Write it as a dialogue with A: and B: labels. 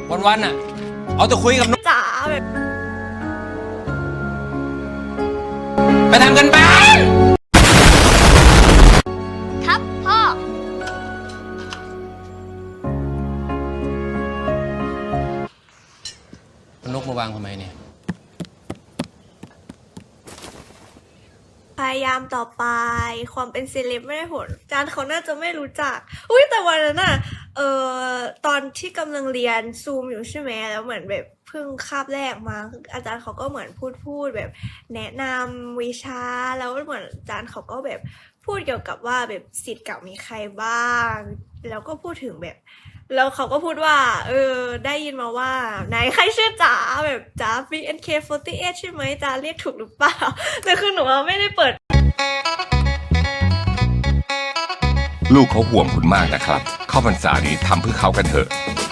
A: วันๆน่ะเอาแต่คุยกับนก
B: จ๋าแบบ
A: ไปทำกันบ้าน
B: ครับพ่อ
A: นกมาวางทำไมเนี่ย
B: พยายามต่อไปความเป็นเซเลบไม่ได้ผลอาจารย์เขาน่าจะไม่รู้จักอุ้ยแต่วันนั้นน่ะตอนที่กำลังเรียนซูมอยู่ใช่ไหมแล้วเหมือนแบบเพิ่งคาบแรกมาอาจารย์เขาก็เหมือนพูดแบบแนะนำวิชาแล้วเหมือนอาจารย์เขาก็แบบพูดเกี่ยวกับว่าแบบศิษย์เก่ามีใครบ้างแล้วก็พูดถึงแบบแล้วเขาก็พูดว่าได้ยินมาว่าไหนใครชื่อจ๋าแบบจ๋า BNK48 ใช่ไหมจ๋าเรียกถูกหรือเปล่าแต่คือหนูไม่ได้เปิด
C: ลูกเขาห่วงคุณมากนะครับ เข้าพรรษานี้ทำเพื่อเขากันเถอะ